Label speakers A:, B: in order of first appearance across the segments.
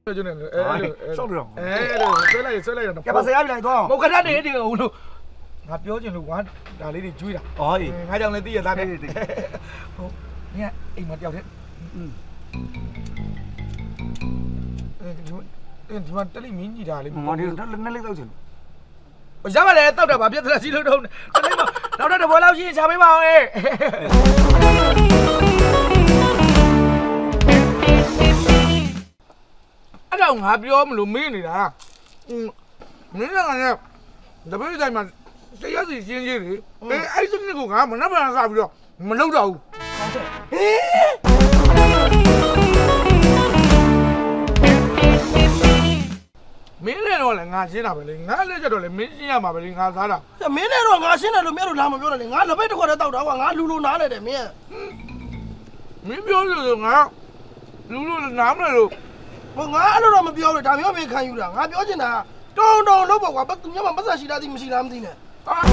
A: 就那个，
B: 少了。
A: 摔来，
B: 要把谁来多？
A: 我看他那这个，我标准的玩哪里的追了？
B: 哦，
A: 还讲那第一单的。你看，哎妈掉的，你们这里民几家的？
B: 我这那里都去。
A: 我下班来到这把别的几头头，这里嘛，到这我老心下没忙哎。အဲ့ဒါငါပြောမလို့မင်းနေတာမင်းကလည်းတပည့်တိုင်းမှာတရားစီရှင်းကြီးလေအဲ့စနစ်ကိုငါမနှက်ဖန်စပြီးတော့မလုပ်တော့ဘူးမင်းလည်းတော့လည်းငါရှင်းတာပဲလေငါလည်းကြတော့လည်းမင်းရှင်းရမှာပဲလေငါစားတာ
C: မင်းလည်းတော့ငါရှင်းတယ်လို့မင်းတို့လာမပြောနဲ့လေငါလက်ပိတ်တစ်ခွက်တည်းတောက်တာကွာငါလူနားလဲတယ်မင်း
A: ပြောလို့ငါလူနားမလို့
C: ဟိုငါအဲ့လိုတော့မပြောလို့ဒါမျိုးပဲခံယူတာငါပြောချင်တာတုံလို့ပေါ့ကွာသူများမပတ်သက်ရှိတာသိမရှိလားမသိနဲ့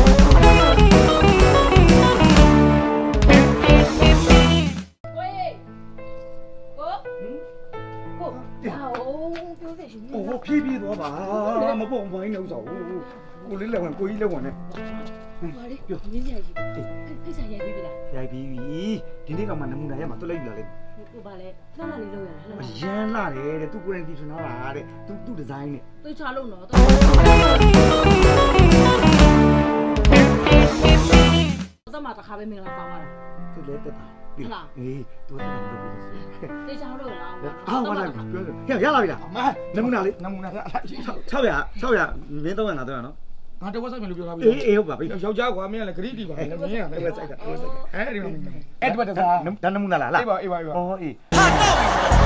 B: 我屁多吧，没帮我弄走，我来来玩，过一来玩呢。
D: 好嘞，明天去。开啥烟比啦？
B: 呀，比今天干嘛那么难呀嘛，都来遇了嘞。
D: 我把嘞，哪里弄呀？
B: 烟哪嘞？都过来地方哪来的？都在在呢。
D: 都查弄了。我怎么打咖啡没了？放完了。
B: 这来得吧？对啦。哎，多得很多。
D: 都查弄了。
B: 啊，我来，呀，来了，妈，能不能来？超呀，明天晚上哪样？
A: ငါတော့ဝက်ဆိုင်မလို့ပြောထားပြီ
B: ဟုတ်ပါပြီ
A: ယောက်ျားကွာမင်းကလည်းဂရိတီပါလေမင်းကလည်းဝက်ဆိုင်ကအဲ့ဒီမှာအဲ့ဒီမှာတစား
B: ဒါနမူနာလား
A: အေးပါ
B: 哦အေး
A: ဟာတော့